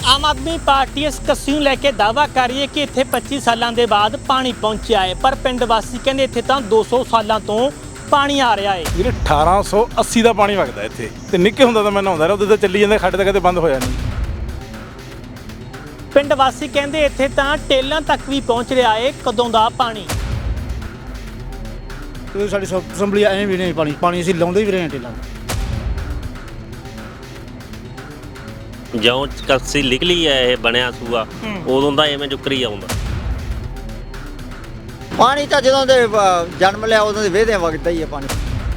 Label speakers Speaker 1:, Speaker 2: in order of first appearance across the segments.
Speaker 1: ਆਮ Aadmi party ਇਸ ਕੱਸੀ ਨੂੰ ਲੈ ਕੇ ਦਾਅਵਾ ਕਰ ਰਹੀ ਹੈ ਕਿ ਇੱਥੇ 25 ਸਾਲਾਂ ਦੇ ਬਾਅਦ ਪਾਣੀ ਪਹੁੰਚਿਆ ਹੈ, ਪਰ ਪਿੰਡ ਵਾਸੀ ਕਹਿੰਦੇ ਇੱਥੇ ਤਾਂ 200 ਸਾਲਾਂ ਤੋਂ ਪਾਣੀ ਆ ਰਿਹਾ ਹੈ।
Speaker 2: ਵੀਰੇ 1880 ਦਾ ਪਾਣੀ ਵਗਦਾ ਇੱਥੇ ਤੇ ਨਿੱਕੇ ਹੁੰਦਾ ਤਾਂ ਮੈਂ ਨਹਾਉਂਦਾ ਰਿਹਾ, ਉਹਦੇ ਤੇ ਚੱਲੀ ਜਾਂਦਾ, ਖੱਡ ਤਾਂ ਕਦੇ ਬੰਦ ਹੋਇਆ ਨਹੀਂ।
Speaker 1: ਪਿੰਡ ਵਾਸੀ ਕਹਿੰਦੇ ਇੱਥੇ ਤਾਂ ਟੇਲਾਂ ਤੱਕ ਵੀ ਪਹੁੰਚ ਰਿਹਾ ਹੈ ਕਦੋਂ ਦਾ ਪਾਣੀ।
Speaker 3: ਸਾਡੀ ਅਸੈਂਬਲੀ ਐਂ ਵੀ ਨਹੀਂ ਪਾਣੀ ਅਸੀਂ ਲਾਉਂਦੇ ਵੀ ਰਹੇ ਹਾਂ ਟੇਲਾਂ।
Speaker 4: ਜਿਉਂ ਕੱਸੀ ਨਿਕਲੀ ਹੈ ਇਹ ਬਣਿਆ ਸੂਆ ਉਦੋਂ ਦਾ ਐਵੇਂ ਜੁਕਰੀ ਆਉਂਦਾ
Speaker 5: ਪਾਣੀ ਤਾਂ ਜਦੋਂ ਦੇ ਜਨਮ ਲਿਆ ਉਦੋਂ ਦੇ ਵੇਹਦੇ ਵਗਦਾ ਹੀ ਹੈ ਪਾਣੀ।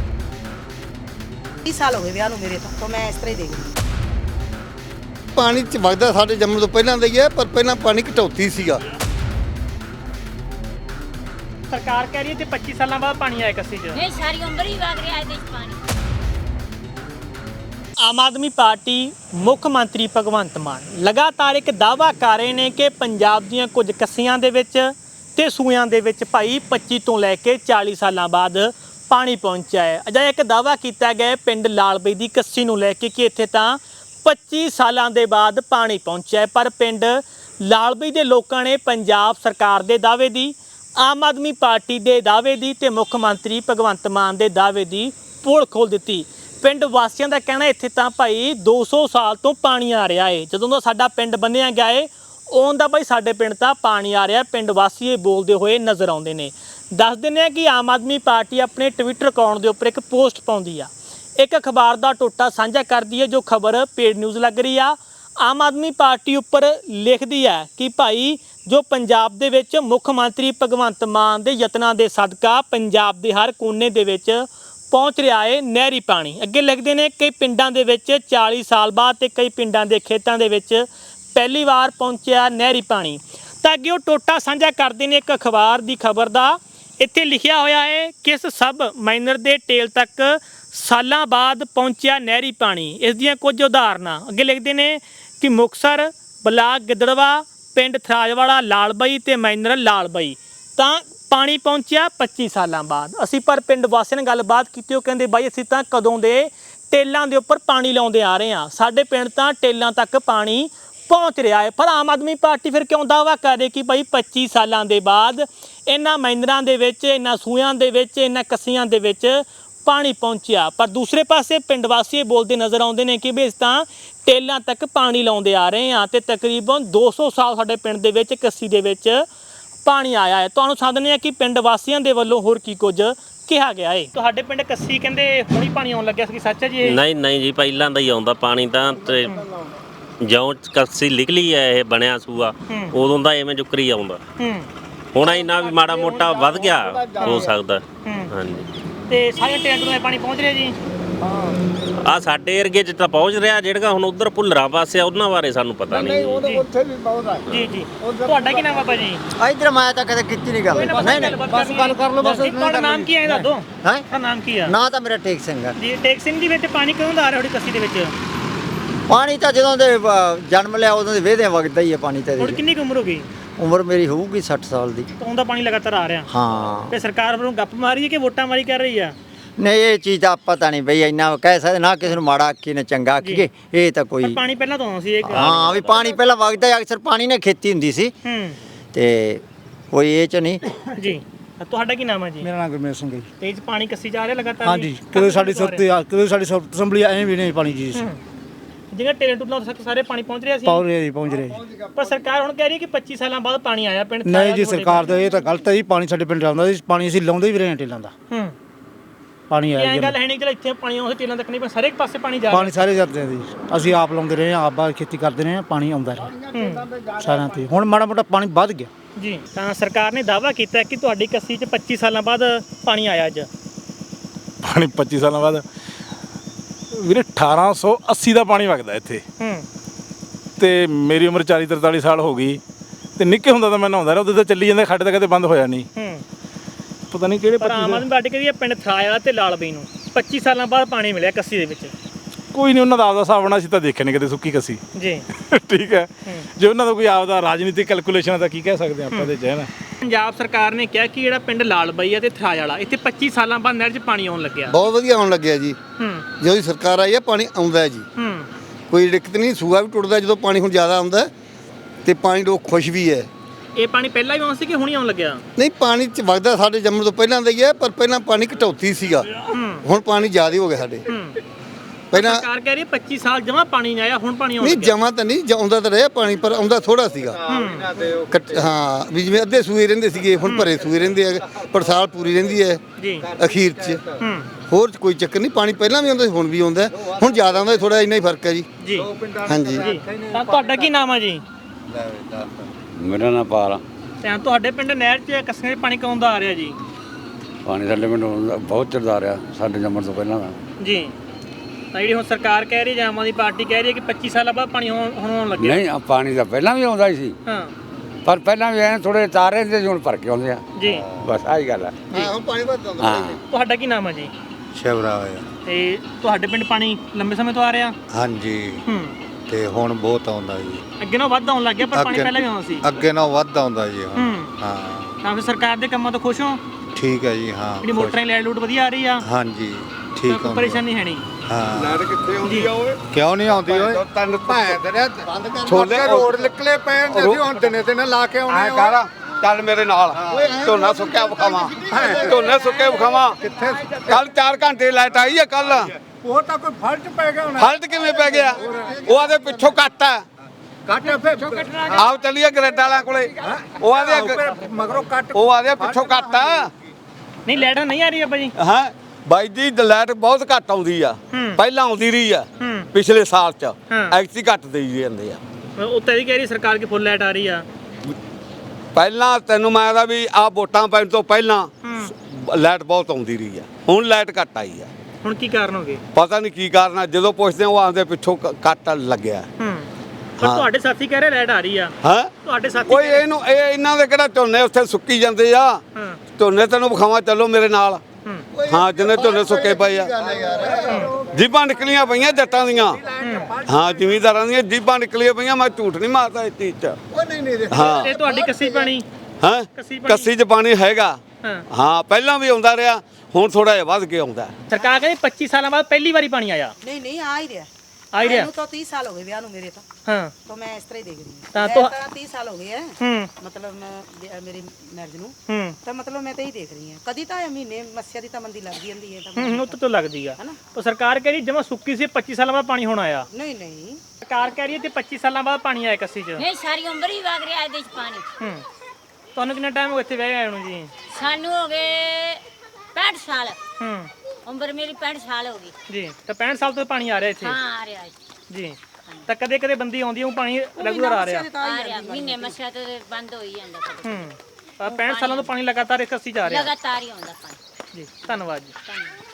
Speaker 6: 30 ਸਾਲ ਹੋ ਗਏ ਵਿਆਹ ਨੂੰ ਮੇਰੇ ਤਾਂ ਮੈਂ ਇਸ ਤਰ੍ਹਾਂ ਹੀ ਦੇਖਦੀ।
Speaker 7: ਪਾਣੀ ਚ ਵਗਦਾ ਸਾਡੇ ਜੰਮਣ ਤੋਂ ਪਹਿਲਾਂ ਦਾ ਹੀ ਹੈ, ਪਰ ਪਹਿਲਾਂ ਪਾਣੀ ਘਟੌਤੀ ਸੀਗਾ।
Speaker 1: ਸਰਕਾਰ ਕਹਿ ਰਹੀ ਹੈ ਕਿ 25 ਸਾਲਾਂ ਬਾਅਦ ਪਾਣੀ ਆਇਆ ਕੱਸੀ 'ਚ।
Speaker 8: ਨਹੀਂ, ਸਾਰੀ ਉਮਰ ਹੀ ਵਗ ਰਿਹਾ ਇਹਦੇ 'ਚ ਪਾਣੀ।
Speaker 1: ਆਮ ਆਦਮੀ ਪਾਰਟੀ ਮੁੱਖ ਮੰਤਰੀ ਭਗਵੰਤ ਮਾਨ ਲਗਾਤਾਰ ਇੱਕ ਦਾਅਵਾ ਕਰ ਰਹੇ ਨੇ ਕਿ ਪੰਜਾਬ ਦੀਆਂ ਕੁਝ ਕੱਸੀਆਂ ਦੇ ਵਿੱਚ ਤੇ ਸੂਇਆਂ ਦੇ ਵਿੱਚ ਭਾਈ 25 ਤੋਂ ਲੈ ਕੇ 40 ਸਾਲਾਂ ਬਾਅਦ ਪਾਣੀ ਪਹੁੰਚਿਆ ਹੈ। ਅਜਿਹਾ ਇੱਕ ਦਾਅਵਾ ਕੀਤਾ ਗਿਆ ਪਿੰਡ ਲਾਲਬਈ ਦੀ ਕੱਸੀ ਨੂੰ ਲੈ ਕੇ ਕਿ ਇੱਥੇ ਤਾਂ 25 ਸਾਲਾਂ ਦੇ ਬਾਅਦ ਪਾਣੀ ਪਹੁੰਚਿਆ ਹੈ, ਪਰ ਪਿੰਡ ਲਾਲਬਈ ਦੇ ਲੋਕਾਂ ਨੇ ਪੰਜਾਬ ਸਰਕਾਰ ਦੇ ਦਾਅਵੇ ਦੀ, ਆਮ ਆਦਮੀ ਪਾਰਟੀ ਦੇ ਦਾਅਵੇ ਦੀ ਤੇ ਮੁੱਖ ਮੰਤਰੀ ਭਗਵੰਤ ਮਾਨ ਦੇ ਦਾਅਵੇ ਦੀ ਪੋਲ ਖੋਲ੍ਹ ਦਿੱਤੀ। ਪਿੰਡ ਵਾਸੀਆਂ ਦਾ ਕਹਿਣਾ ਇੱਥੇ ਤਾਂ ਭਾਈ 200 ਸਾਲ ਤੋਂ ਪਾਣੀ ਆ ਰਿਹਾ ਹੈ, ਜਦੋਂ ਦਾ ਸਾਡਾ ਪਿੰਡ ਬੰਨਿਆ ਗਿਆ ਹੈ ਉਦੋਂ ਦਾ ਭਾਈ ਸਾਡੇ ਪਿੰਡ ਤਾਂ ਪਾਣੀ ਆ ਰਿਹਾ। ਪਿੰਡ ਵਾਸੀ ਇਹ ਬੋਲਦੇ ਹੋਏ ਨਜ਼ਰ ਆਉਂਦੇ ਨੇ। ਦੱਸ ਦਿੰਦੇ ਆ ਕਿ ਆਮ ਆਦਮੀ ਪਾਰਟੀ ਆਪਣੇ ਟਵਿੱਟਰ ਅਕਾਊਂਟ ਦੇ ਉੱਪਰ ਇੱਕ ਪੋਸਟ ਪਾਉਂਦੀ ਆ, ਇੱਕ ਅਖਬਾਰ ਦਾ ਟੋਟਾ ਸਾਂਝਾ ਕਰਦੀ ਹੈ ਜੋ ਖਬਰ ਪੇਡ ਨਿਊਜ਼ ਲੱਗ ਰਹੀ ਆ। ਆਮ ਆਦਮੀ ਪਾਰਟੀ ਉੱਪਰ ਲਿਖਦੀ ਹੈ ਕਿ ਭਾਈ ਜੋ ਪੰਜਾਬ ਦੇ ਵਿੱਚ ਮੁੱਖ ਮੰਤਰੀ ਭਗਵੰਤ ਮਾਨ ਦੇ ਯਤਨਾਂ ਦੇ ਸਦਕਾ ਪੰਜਾਬ ਦੇ ਹਰ ਕੋਨੇ ਦੇ ਵਿੱਚ ਪਹੁੰਚ ਰਿਹਾ ਹੈ ਨਹਿਰੀ ਪਾਣੀ। ਅੱਗੇ ਲਿਖਦੇ ਨੇ ਕਈ ਪਿੰਡਾਂ ਦੇ ਵਿੱਚ 40 ਸਾਲ ਬਾਅਦ ਤੇ ਕਈ ਪਿੰਡਾਂ ਦੇ ਖੇਤਾਂ ਦੇ ਵਿੱਚ ਪਹਿਲੀ ਵਾਰ ਪਹੁੰਚਿਆ ਨਹਿਰੀ ਪਾਣੀ। ਤਾਂ ਅੱਗੇ ਉਹ ਟੋਟਾ ਸਾਂਝਾ ਕਰਦੇ ਨੇ ਇੱਕ ਅਖਬਾਰ ਦੀ ਖਬਰ ਦਾ। ਇੱਥੇ ਲਿਖਿਆ ਹੋਇਆ ਹੈ ਕਿਸ ਸਬ ਮਾਈਨਰ ਦੇ ਟੇਲ ਤੱਕ ਸਾਲਾਂ ਬਾਅਦ ਪਹੁੰਚਿਆ ਨਹਿਰੀ ਪਾਣੀ। ਇਸ ਦੀਆਂ ਕੁਝ ਉਦਾਹਰਨਾਂ ਅੱਗੇ ਲਿਖਦੇ ਨੇ ਕਿ ਮੁਕਤਸਰ, ਬਲਾਕ ਗਿੱਦੜਵਾ, ਪਿੰਡ ਥਰਾਜਵਾੜਾ ਲਾਲਬਈ ਤੇ ਮਾਈਨਰ ਲਾਲਬਈ ਤਾਂ ਪਾਣੀ ਪਹੁੰਚਿਆ 25 ਸਾਲਾਂ ਬਾਅਦ। ਅਸੀਂ ਪਰ ਪਿੰਡ ਵਾਸੀਆਂ ਨਾਲ ਗੱਲਬਾਤ ਕੀਤੀ, ਉਹ ਕਹਿੰਦੇ ਬਾਈ ਅਸੀਂ ਤਾਂ ਕਦੋਂ ਦੇ ਟੇਲਾਂ ਦੇ ਉੱਪਰ ਪਾਣੀ ਲਾਉਂਦੇ ਆ ਰਹੇ ਹਾਂ, ਸਾਡੇ ਪਿੰਡ ਤਾਂ ਟੇਲਾਂ ਤੱਕ ਪਾਣੀ ਪਹੁੰਚ ਰਿਹਾ ਹੈ। ਪਰ ਆਮ ਆਦਮੀ ਪਾਰਟੀ ਫਿਰ ਕਿਉਂ ਦਾਅਵਾ ਕਰ ਰਹੀ ਕਿ ਭਾਈ 25 ਸਾਲਾਂ ਦੇ ਬਾਅਦ ਇਹਨਾਂ ਮਾਈਨਰਾਂ ਦੇ ਵਿੱਚ, ਇਹਨਾਂ ਸੂਇਆਂ ਦੇ ਵਿੱਚ, ਇਹਨਾਂ ਕੱਸੀਆਂ ਦੇ ਵਿੱਚ ਪਾਣੀ ਪਹੁੰਚਿਆ। ਪਰ ਦੂਸਰੇ ਪਾਸੇ ਪਿੰਡ ਵਾਸੀ ਇਹ ਬੋਲਦੇ ਨਜ਼ਰ ਆਉਂਦੇ ਨੇ ਕਿ ਵੀ ਇਸ ਤਾਂ ਟੇਲਾਂ ਤੱਕ ਪਾਣੀ ਲਾਉਂਦੇ ਆ ਰਹੇ ਹਾਂ ਤੇ ਤਕਰੀਬਨ 200 ਸਾਲ ਸਾਡੇ ਪਿੰਡ ਦੇ ਵਿੱਚ ਕੱਸੀ ਦੇ ਵਿੱਚ ਪਾਣੀ ਆਇਆ ਹੈ। ਤੁਹਾਨੂੰ ਸਾਧਨੇ ਆ ਕਿ ਪਿੰਡ ਵਾਸੀਆਂ ਦੇ ਵੱਲੋਂ ਹੋਰ ਕੀ ਕੁਝ ਕਿਹਾ ਗਿਆ ਹੈ। ਤੁਹਾਡੇ ਪਿੰਡ ਕੱਸੀ ਕਹਿੰਦੇ ਹੁਣੀ ਪਾਣੀ ਆਉਣ ਲੱਗਿਆ ਸੀ, ਸੱਚ ਹੈ ਜੀ?
Speaker 4: ਨਹੀਂ ਜੀ, ਪਹਿਲਾਂ ਦਾ ਹੀ ਆਉਂਦਾ ਪਾਣੀ ਤਾਂ ਤੇ ਜਿਉਂ ਕੱਸੀ ਨਿਕਲੀ ਹੈ ਇਹ ਬਣਿਆ ਸੂਆ ਉਦੋਂ ਦਾ ਐਵੇਂ ਜੁਕਰੀ ਆਉਂਦਾ। ਹੁਣ ਇੰਨਾ ਵੀ ਮਾੜਾ ਮੋਟਾ ਵੱਧ ਗਿਆ ਹੋ ਸਕਦਾ। ਹਾਂਜੀ,
Speaker 1: ਤੇ ਸਾਰੇ ਟੈਂਟ ਨੂੰ ਪਾਣੀ ਪਹੁੰਚ ਰਿਹਾ ਜੀ?
Speaker 4: ਆ ਸਾਡੇ ਏਰੀਏ 'ਚ ਤਾਂ ਪਹੁੰਚ ਰਿਹਾ, ਜਿਹੜਾ ਹੁਣ ਉਧਰ ਭੁੱਲਰਾਂ ਪਾਸੇ ਉਹਨਾਂ ਬਾਰੇ ਸਾਨੂੰ ਪਤਾ ਨਹੀਂ।
Speaker 7: ਉੱਥੇ ਵੀ ਬਹੁਤ ਆ
Speaker 1: ਜੀ ਜੀ। ਤੁਹਾਡਾ ਕੀ ਨਾਮ ਬਾਬਾ ਜੀ?
Speaker 5: ਇੱਧਰ ਮੈਂ ਤਾਂ ਕਦੇ ਕੀਤੀ ਨਹੀਂ ਗੱਲ। ਨਹੀਂ
Speaker 1: ਬਸ ਗੱਲ ਕਰ ਲਓ। ਤੁਹਾਡਾ ਨਾਮ ਕੀ ਹੈ ਦੱਸੋ?
Speaker 5: ਹੈ
Speaker 1: ਤੁਹਾਡਾ ਨਾਮ ਕੀ ਹੈ?
Speaker 5: ਨਾ ਤਾਂ ਮੇਰਾ ਟੇਕ ਸਿੰਘ ਹੈ
Speaker 1: ਜੀ। ਟੇਕ ਸਿੰਘ ਜੀ, ਵਿੱਚ ਪਾਣੀ ਕਦੋਂ ਦਾ ਆ ਰਿਹਾ ਤੁਹਾਡੀ ਕੱਸੀ ਦੇ ਵਿੱਚ?
Speaker 5: ਪਾਣੀ ਤਾਂ ਜਦੋਂ ਦੇ ਜਨਮ ਲਿਆ ਉਦੋਂ ਦੇ ਵੇਹਦੇ ਵਗਦਾ ਹੀ ਹੈ ਪਾਣੀ। ਤਾਂ
Speaker 1: ਹੁਣ ਕਿੰਨੀ ਕੁ ਉਮਰ ਹੋ ਗਈ?
Speaker 5: ਉਮਰ ਮੇਰੀ ਹੋਊਗੀ 60 ਸਾਲ ਦੀ।
Speaker 1: ਉਦੋਂ ਦਾ ਪਾਣੀ ਲਗਾਤਾਰ ਆ ਰਿਹਾ?
Speaker 5: ਹਾਂ।
Speaker 1: ਤੇ ਸਰਕਾਰ ਵੱਲੋਂ ਗੱਪ ਮਾਰੀ ਹੈ ਕਿ ਵੋਟਾਂ ਮਾਰੀ ਕਰ ਰਹੀ ਆ?
Speaker 5: ਨਹੀਂ, ਇਹ ਚੀਜ਼ ਦਾ ਪਤਾ ਨਹੀਂ ਬਈ, ਇੰਨਾ ਕਹਿ ਸਕਦੇ ਨਾ ਕਿਸੇ ਨੂੰ ਮਾੜਾ ਆਖੀ ਨਾ ਚੰਗਾ ਆਖੀਏ, ਇਹ ਤਾਂ ਕੋਈ।
Speaker 1: ਪਰ ਪਾਣੀ ਪਹਿਲਾਂ ਤੋਂ ਆਉਂਦਾ ਸੀ ਇਹ?
Speaker 5: ਹਾਂ, ਵੀ ਪਾਣੀ ਪਹਿਲਾਂ ਵਗਦਾ, ਅਕਸਰ ਪਾਣੀ ਨਾਲ ਖੇਤੀ ਹੁੰਦੀ ਸੀ ਤੇ ਕੋਈ ਇਹ ਚ ਨਹੀਂ
Speaker 1: ਜੀ। ਤੁਹਾਡਾ ਕੀ ਨਾਮ ਹੈ ਜੀ?
Speaker 3: ਮੇਰਾ ਨਾਮ ਗੁਰਮੇਲ ਸਿੰਘ ਹੈ ਜੀ।
Speaker 1: ਤੇ ਇਹ 'ਚ ਪਾਣੀ ਕੱਸੀ ਜਾ ਰਿਹਾ ਲਗਾਤਾਰ?
Speaker 3: ਹਾਂਜੀ, ਕਦੇ ਸਾਡੀ ਅਸੈਂਬਲੀ ਐਂ ਵੀ ਨਹੀਂ ਪਾਣੀ ਜੀ
Speaker 1: ਜਿਹੜਾ ਟੇਲੇ ਟੁੱਟਣਾ ਤੱਕ ਸਾਰੇ ਪਾਣੀ ਪਹੁੰਚ ਰਿਹਾ ਸੀ?
Speaker 3: ਪਹੁੰਚ ਰਿਹਾ ਜੀ।
Speaker 1: ਪਰ ਸਰਕਾਰ ਹੁਣ ਕਹਿ ਰਹੀ ਹੈ ਕਿ 25 ਸਾਲਾਂ ਬਾਅਦ ਪਾਣੀ ਆਇਆ ਪਿੰਡ।
Speaker 3: ਨਹੀਂ ਜੀ, ਸਰਕਾਰ ਦਾ ਇਹ ਤਾਂ ਗਲਤ ਹੈ ਜੀ। ਪਾਣੀ ਸਾਡੇ ਪਿੰਡ ਆਉਂਦਾ ਸੀ, ਪਾਣੀ ਅਸੀਂ ਲਾਉਂਦੇ ਵੀ ਰਹੇ ਹਾਂ ਟੇਲਾਂ ਦਾ। ਪਾਣੀ ਆਇਆ
Speaker 1: ਇਹ ਗੱਲ ਹੈ ਨਹੀਂ ਕਿ ਇੱਥੇ ਪਾਣੀ ਆਉਂਦਾ ਟੇਲਾਂ ਤੱਕ ਨਹੀਂ, ਪਰ ਸਾਰੇ ਪਾਸੇ ਪਾਣੀ ਜਾ ਰਿਹਾ।
Speaker 3: ਪਾਣੀ ਸਾਰੇ ਜਾਂਦੇ ਆ ਜੀ, ਅਸੀਂ ਆਪ ਲਾਉਂਦੇ ਰਹੇ ਹਾਂ, ਆਪ ਬਾਹਰ ਖੇਤੀ ਕਰਦੇ ਰਹੇ ਹਾਂ, ਪਾਣੀ ਆਉਂਦਾ ਰਿਹਾ ਸਾਰਿਆਂ ਤੇ। ਹੁਣ ਮਾੜਾ ਮੋਟਾ ਪਾਣੀ ਵੱਧ ਗਿਆ
Speaker 1: ਜੀ। ਤਾਂ ਸਰਕਾਰ ਨੇ ਦਾਅਵਾ ਕੀਤਾ ਕਿ ਤੁਹਾਡੀ ਕੱਸੀ 'ਚ 25 ਸਾਲਾਂ ਬਾਅਦ ਪਾਣੀ ਆਇਆ ਅੱਜ।
Speaker 2: ਪਾਣੀ 25 ਸਾਲਾਂ ਬਾਅਦ ਵੀਰੇ 1880 ਦਾ ਪਾਣੀ ਵਗਦਾ ਇੱਥੇ ਤੇ ਮੇਰੀ ਉਮਰ 40-43 ਸਾਲ ਹੋ ਗਈ ਤੇ ਨਿੱਕੇ ਹੁੰਦਾ ਤਾਂ ਮੈਂ ਨਹਾਉਂਦਾ ਰਿਹਾ, ਉਹਦੇ ਤੇ ਚੱਲੀ ਜਾਂਦਾ, ਖੱਡ ਤਾਂ ਕਦੇ ਬੰਦ ਹੋਇਆ ਨਹੀਂ। ਪਤਾ ਨਹੀਂ ਕਿਹੜੇ।
Speaker 1: ਪਰ ਆਮ ਆਦਮੀ ਪਾਰਟੀ ਕਹਿੰਦੀ ਹੈ ਪਿੰਡ ਥਰਾਜਵਾੜਾ ਤੇ ਲਾਲਬਈ ਨੂੰ 25 ਸਾਲਾਂ ਬਾਅਦ ਪਾਣੀ ਮਿਲਿਆ ਕੱਸੀ ਦੇ ਵਿੱਚ।
Speaker 2: ਕੋਈ ਨਹੀਂ, ਉਹਨਾਂ ਦਾ ਆਪਦਾ ਹਿਸਾਬ ਨਾਲ ਅਸੀਂ ਤਾਂ ਦੇਖਿਆ ਨਹੀਂ ਕਦੇ ਸੁੱਕੀ ਕੱਸੀ
Speaker 1: ਜੀ।
Speaker 2: ਠੀਕ ਹੈ, ਜੇ ਉਹਨਾਂ ਦਾ ਕੋਈ ਆਪਦਾ ਰਾਜਨੀਤਿਕ ਕੈਲਕੂਲੇਸ਼ਨ ਤਾਂ ਕੀ ਕਹਿ ਸਕਦੇ ਆਪਾਂ ਇਹਦੇ 'ਚ, ਹੈ ਨਾ।
Speaker 1: ਪੰਜਾਬ ਸਰਕਾਰ ਨੇ ਕਿਹਾ ਕਿ ਜਿਹੜਾ ਪਿੰਡ ਲਾਲਬਈ ਹੈ ਤੇ ਥਰਾਜਵਾੜਾ, ਇੱਥੇ 25 ਸਾਲਾਂ ਬਾਅਦ ਨਹਿਰ 'ਚ ਪਾਣੀ ਆਉਣ ਲੱਗਿਆ।
Speaker 7: ਬਹੁਤ ਵਧੀਆ ਆਉਣ ਲੱਗਿਆ ਜੀ। ਜਦੋਂ ਦੀ ਸਰਕਾਰ ਆਈ ਹੈ ਪਾਣੀ ਆਉਂਦਾ ਜੀ। ਕੋਈ ਦਿੱਕਤ ਨਹੀਂ, ਸੂਆ ਵੀ ਟੁੱਟਦਾ ਜਦੋਂ ਪਾਣੀ ਹੁਣ ਜ਼ਿਆਦਾ ਆਉਂਦਾ ਤੇ ਪਾਣੀ ਲੋਕ ਖੁਸ਼ ਵੀ ਹੈ।
Speaker 1: ਇਹ ਪਾਣੀ ਪਹਿਲਾਂ ਹੀ ਆਉਂਦਾ ਸੀ ਕਿ ਹੁਣੀ ਆਉਣ ਲੱਗਿਆ?
Speaker 7: ਨਹੀਂ, ਪਾਣੀ ਚ ਵਗਦਾ ਸਾਡੇ ਜੰਮਣ ਤੋਂ ਪਹਿਲਾਂ ਦਾ ਹੀ ਹੈ, ਪਰ ਪਹਿਲਾਂ ਪਾਣੀ ਘਟੌਤੀ ਸੀਗਾ, ਹੁਣ ਪਾਣੀ ਜ਼ਿਆਦਾ ਹੋ ਗਿਆ ਸਾਡੇ। ਪਹਿਲਾਂ
Speaker 1: ਸਰਕਾਰ ਕਹਿ ਰਹੀ ਹੈ 25 ਸਾਲ ਜਮਾ ਪਾਣੀ ਨਹੀਂ ਆਇਆ, ਹੁਣ ਪਾਣੀ ਆਉਣ
Speaker 7: ਨਹੀਂ,
Speaker 1: ਲੱਗਿਆ।
Speaker 7: ਜਮਾ ਤਾਂ ਨਹੀਂ, ਆਉਂਦਾ ਤਾਂ ਰਿਹਾ ਪਾਣੀ, ਪਰ ਆਉਂਦਾ ਥੋੜਾ ਸੀਗਾ। ਹਾਂ, ਵੀ ਜਿਵੇਂ ਅੱਧੇ ਸੂਏ ਰਹਿੰਦੇ ਸੀਗੇ, ਹੁਣ ਭਰੇ ਸੂਏ ਰਹਿੰਦੇ ਆ, ਪੜਸਾਲ ਪੂਰੀ ਰਹਿੰਦੀ ਹੈ
Speaker 1: ਜੀ
Speaker 7: ਅਖੀਰ 'ਚ। ਹੋਰ ਕੋਈ ਚੱਕਰ ਨਹੀਂ, ਪਾਣੀ ਪਹਿਲਾਂ ਵੀ ਆਉਂਦਾ ਸੀ, ਹੁਣ ਵੀ ਆਉਂਦਾ, ਹੁਣ ਜ਼ਿਆਦਾ ਆਉਂਦਾ, ਥੋੜਾ ਇੰਨਾ ਹੀ ਫਰਕ ਹੈ ਜੀ।
Speaker 1: ਜੀ
Speaker 7: ਹਾਂਜੀ।
Speaker 1: ਜੀ ਤਾਂ ਤੁਹਾਡਾ ਕੀ ਨਾਮ ਹੈ ਜੀ?
Speaker 9: ਮੇਰਾ ਨਾਮ ਪਾਲ।
Speaker 1: ਤੇ ਤੁਹਾਡੇ ਪਿੰਡ ਨਹਿਰ 'ਚ ਕੱਸੀਆਂ 'ਚ ਪਾਣੀ ਕਦੋਂ ਦਾ ਆ ਰਿਹਾ ਜੀ?
Speaker 9: ਪਾਣੀ ਸਾਡੇ ਪਿੰਡ ਬਹੁਤ ਚਿਰ ਦਾ ਆ ਰਿਹਾ, ਸਾਡੇ ਜੰਮਣ ਤੋਂ ਪਹਿਲਾਂ ਦਾ।
Speaker 1: ਜੀ ਤਾਂ ਜਿਹੜੀ ਹੁਣ ਸਰਕਾਰ ਕਹਿ ਰਹੀ ਹੈ, ਜਾਂ ਆਮ ਆਦਮੀ ਪਾਰਟੀ ਕਹਿ ਰਹੀ ਹੈ ਕਿ 25 ਸਾਲਾਂ ਬਾਅਦ ਪਾਣੀ ਹੁਣ ਆਉਣ ਲੱਗਿਆ।
Speaker 9: ਨਹੀਂ, ਪਾਣੀ ਤਾਂ ਪਹਿਲਾਂ ਵੀ ਆਉਂਦਾ ਹੀ ਸੀ,
Speaker 1: ਹਾਂ
Speaker 9: ਪਰ ਪਹਿਲਾਂ ਵੀ ਐ ਥੋੜੇ ਤਾਰੇ ਤੇ ਹੁਣ ਭਰ ਕੇ ਆਉਂਦੇ ਆ।
Speaker 1: ਜੀ
Speaker 9: ਬਸ ਆਹੀ ਗੱਲ ਹੈ।
Speaker 7: ਹਾਂ, ਹੁਣ ਪਾਣੀ ਵੱਧ ਆਉਂਦਾ।
Speaker 9: ਹਾਂ,
Speaker 1: ਤੁਹਾਡਾ ਕੀ ਨਾਮ ਹੈ ਜੀ?
Speaker 10: ਸ਼ਿਵਰਾ ਹੋਇਆ।
Speaker 1: ਤੇ ਤੁਹਾਡੇ ਪਿੰਡ ਪਾਣੀ ਲੰਬੇ ਸਮੇਂ ਤੋਂ ਆ ਰਿਹਾ?
Speaker 10: ਹਾਂਜੀ,
Speaker 1: ਹੂੰ
Speaker 10: ਤੇ ਹੁਣ ਬਹੁਤ ਆਉਂਦਾ ਜੀ।
Speaker 1: ਅੱਗੇ ਨਾਲੋਂ ਵੱਧ ਆਉਣ ਲੱਗ ਗਿਆ, ਪਰ ਪਾਣੀ ਪਹਿਲਾਂ ਵੀ ਆਉਂਦਾ ਸੀ।
Speaker 10: ਅੱਗੇ ਨਾਲੋਂ ਵੱਧ ਆਉਂਦਾ ਜੀ ਹੁਣ।
Speaker 1: ਹੂੰ
Speaker 10: ਹਾਂ,
Speaker 1: ਤਾਂ ਫਿਰ ਸਰਕਾਰ ਦੇ ਕੰਮਾਂ ਤੋਂ ਖੁਸ਼ ਹੋ?
Speaker 10: ਠੀਕ ਹੈ ਜੀ। ਹਾਂ,
Speaker 1: ਜਿਹੜੀ ਮੋਟਰਾਂ ਦੀ ਲਾਈਟ ਲੂਟ ਵਧੀਆ ਆ ਰਹੀ ਆ?
Speaker 10: ਹਾਂਜੀ,
Speaker 1: ਤਾਂ
Speaker 10: ਠੀਕ
Speaker 1: ਕੋਈ
Speaker 10: ਆਉਂਦੀ
Speaker 1: ਪਰੇਸ਼ਾਨੀ ਹੈ ਨਹੀਂ?
Speaker 10: ਹਾਂ।
Speaker 7: ਲਾਈਟ ਕਿੱਥੇ ਆਉਂਦੀ ਆ ਓਏ?
Speaker 10: ਕਿਉਂ ਨਹੀਂ ਆਉਂਦੀ ਓਏ?
Speaker 7: ਤਨ ਭੈਣ ਤੇਰੇ ਛੋਲੇ ਰੋਡ ਨਿਕਲੇ ਪਏ ਨੇ, ਅਸੀਂ ਹੁਣ ਦਿਨੇ ਲਾ ਕੇ ਆਉਣੇ ਆ।
Speaker 2: ਚੱਲ ਮੇਰੇ ਨਾਲ, ਝੋਨਾ ਸੁੱਕਿਆ ਵਿਖਾਵਾਂ, ਝੋਨੇ ਸੁੱਕੇ ਵਿਖਾਵਾਂ। ਕੱਲ 4 ਘੰਟੇ ਲਾਈਟ ਆਈ ਆ ਕੱਲ।
Speaker 7: ਉਹ ਤਾਂ ਕੋਈ ਫਲਟ ਪੈ ਗਿਆ ਹੁਣ।
Speaker 2: ਫਲਟ ਕਿਵੇਂ ਪੈ ਗਿਆ? ਉਹ ਆਦੇ ਪਿੱਛੋਂ ਕੱਟ ਆ।
Speaker 7: ਕੱਟ ਫੇ
Speaker 2: ਆਓ ਚੱਲੀਏ ਗ੍ਰਿਡ ਵਾਲਿਆਂ ਕੋਲੇ। ਉਹ ਆਦੇ
Speaker 7: ਮਗਰੋਂ ਕੱਟ।
Speaker 2: ਉਹ ਆਦੇ ਪਿੱਛੋਂ ਕੱਟ ਆ।
Speaker 1: ਨਹੀਂ ਲਾਈਟ ਨਹੀਂ ਆ ਰਹੀ ਆ ਭਾਜੀ?
Speaker 2: ਹਾਂ ਬਾਈ ਜੀ, ਲਾਈਟ ਬਹੁਤ ਘੱਟ ਆਉਂਦੀ ਆ, ਪਹਿਲਾਂ ਆਉਂਦੀ ਰਹੀ ਆ ਪਿਛਲੇ ਸਾਲ ਚ, ਐਕਚੁਅਲੀ ਘੱਟ ਦੇਈ ਜਾਂਦੇ ਆ।
Speaker 1: ਉੱਤੇ ਵੀ ਕਹਿ ਰਹੀ ਸਰਕਾਰ ਕਿ ਫੁੱਲ ਲਾਈਟ ਆ ਰਹੀ ਆ।
Speaker 2: ਪਹਿਲਾਂ ਤੈਨੂੰ ਮੈਂ ਦਾ ਵੀ ਆ ਵੋਟਾਂ ਪੈਣ ਤੋਂ ਪਹਿਲਾਂ ਲਾਈਟ ਬਹੁਤ ਆਉਂਦੀ ਰਹੀ ਆ, ਹੁਣ ਲਾਈਟ ਘੱਟ ਆਈ ਆ।
Speaker 1: ਹੁਣ ਕੀ ਕਾਰਨ ਹੋ ਗਏ?
Speaker 2: ਪਤਾ ਨਹੀਂ ਕੀ ਕਾਰਨ ਆ, ਜਦੋਂ ਪੁੱਛਦੇ ਉਹ ਆਂਦੇ ਪਿੱਛੋਂ ਕੱਟ ਲੱਗਿਆ।
Speaker 1: ਪਰ ਤੁਹਾਡੇ ਸਾਥੀ ਕਹਿ ਰਹੇ ਲਾਈਟ ਆ ਰਹੀ ਆ।
Speaker 2: ਹਾਂ,
Speaker 1: ਤੁਹਾਡੇ ਸਾਥੀ
Speaker 2: ਕੋਈ ਇਹਨੂੰ ਇਹ ਇਹਨਾਂ ਦੇ ਕਿਹੜਾ ਝੋਨੇ ਉੱਥੇ ਸੁੱਕੀ ਜਾਂਦੇ ਆ। ਝੋਨੇ ਤੈਨੂੰ ਵਿਖਾਵਾਂ, ਚੱਲੋ ਮੇਰੇ ਨਾਲ। ਹਾਂ, ਜਿੰਨੇ ਝੋਨੇ ਸੁੱਕੇ ਪਏ ਆ, ਜੀਬਾਂ ਨਿਕਲੀਆਂ ਪਈਆਂ ਜੱਟਾਂ ਦੀਆਂ। ਹਾਂ, ਜ਼ਿਮੀਂਦਾਰਾਂ ਦੀਆਂ ਜੀਬਾਂ ਨਿਕਲੀਆਂ ਪਈਆਂ, ਮੈਂ ਝੂਠ ਨਹੀਂ ਮਾਰਦਾ ਇਸ ਚੀਜ਼ 'ਚ। ਹਾਂ,
Speaker 1: ਇਹ ਤੁਹਾਡੀ ਕੱਸੀ ਪਾਣੀ?
Speaker 2: ਹਾਂ, ਕੱਸੀ 'ਚ ਪਾਣੀ ਹੈਗਾ। ਹਾਂ, ਪਹਿਲਾਂ ਵੀ ਆਉਂਦਾ ਰਿਹਾ, ਹੁਣ ਥੋੜਾ ਜਿਹਾ ਵੱਧ ਕੇ ਆਉਂਦਾ।
Speaker 1: ਸਰਕਾਰ ਕਹਿੰਦੀ 25 ਸਾਲਾਂ ਬਾਅਦ ਪਹਿਲੀ ਵਾਰੀ ਪਾਣੀ ਆਇਆ।
Speaker 6: ਨਹੀਂ ਆ ਹੀ ਰਿਹਾ।
Speaker 1: ਆ ਹੀ ਰਿਹਾ?
Speaker 6: ਮੈਨੂੰ ਤਾਂ 30 ਸਾਲ ਹੋ ਗਏ ਵਿਆਹ ਨੂੰ ਮੇਰੇ ਤਾਂ।
Speaker 1: ਹਾਂ,
Speaker 6: ਤਾਂ ਮੈਂ ਇਸ ਤਰ੍ਹਾਂ ਹੀ ਦੇਖ ਰਹੀ ਹਾਂ।
Speaker 1: ਤਾਂ
Speaker 6: ਤਾਂ 30 ਸਾਲ ਹੋ ਗਏ ਹੈ,
Speaker 1: ਹੂੰ
Speaker 6: ਮਤਲਬ ਮੇਰੀ ਮੈਰਿਜ ਨੂੰ।
Speaker 1: ਹੂੰ
Speaker 6: ਤਾਂ ਮਤਲਬ ਮੈਂ ਤਾਂ ਹੀ ਦੇਖ ਰਹੀ ਹਾਂ। ਕਦੀ ਤਾਂ ਮਹੀਨੇ ਮੱਸਿਆ ਦੀ ਤਾਂ ਮੰਦੀ ਲੱਗਦੀ ਜਾਂਦੀ ਹੈ
Speaker 1: ਹੂੰ, ਉਹ ਤਾਂ ਲੱਗਦੀ ਆ।
Speaker 6: ਹਨਾ?
Speaker 1: ਤਾਂ ਸਰਕਾਰ ਕਹਿ ਰਹੀ ਜਮਾ ਸੁੱਕੀ ਸੀ, 25 ਸਾਲਾਂ ਬਾਅਦ ਪਾਣੀ ਹੁਣ ਆਇਆ।
Speaker 6: ਨਹੀਂ
Speaker 1: ਸਰਕਾਰ ਕਹਿ ਰਹੀ ਹੈ ਕਿ 25 ਸਾਲਾਂ ਬਾਅਦ ਪਾਣੀ ਆਇਆ ਕੱਸੀ 'ਚ।
Speaker 8: ਨਹੀਂ ਸਾਰੀ ਉਮਰ ਹੀ ਵਗ ਰਿਹਾ ਇਹਦੇ 'ਚ ਪਾਣੀ।
Speaker 1: ਹੂੰ, ਤੁਹਾਨੂੰ ਕਿੰਨਾ ਟਾਈਮ ਹੋ ਗਿਆ ਇੱਥੇ ਵਿਆਹ ਆਏ ਨੂੰ ਜੀ?
Speaker 8: ਸਾਨੂੰ ਹੋ ਗਏ 65 ਸਾਲ।
Speaker 1: ਹੂੰ,
Speaker 8: ਉਮਰ ਮੇਰੀ 65 ਸਾਲ ਹੋ ਗਈ।
Speaker 1: ਜੀ ਤਾਂ 65 ਸਾਲ ਤੋਂ ਪਾਣੀ ਆ ਰਿਹਾ ਇੱਥੇ?
Speaker 8: ਹਾਂ ਆ ਰਿਹਾ
Speaker 1: ਜੀ ਤਾਂ ਕਦੇ ਕਦੇ ਬੰਦੀ ਆਉਂਦੀ ਹੈ, ਉਹ ਪਾਣੀ ਰੈਗੂਲਰ ਆ ਰਿਹਾ?
Speaker 8: ਆ ਰਿਹਾ ਮਹੀਨੇ ਮੱਸਿਆ ਤੇ ਬੰਦ ਹੋ ਹੀ ਜਾਂਦਾ ਕਦੇ।
Speaker 1: ਹੂੰ, 65 ਸਾਲਾਂ ਤੋਂ ਪਾਣੀ ਲਗਾਤਾਰ ਇਸ ਕੱਸੀ 'ਚ ਆ ਰਿਹਾ?
Speaker 8: ਲਗਾਤਾਰ ਹੀ ਆਉਂਦਾ ਪਾਣੀ।
Speaker 1: ਜੀ ਧੰਨਵਾਦ ਜੀ।
Speaker 8: ਧੰਨਵਾਦ।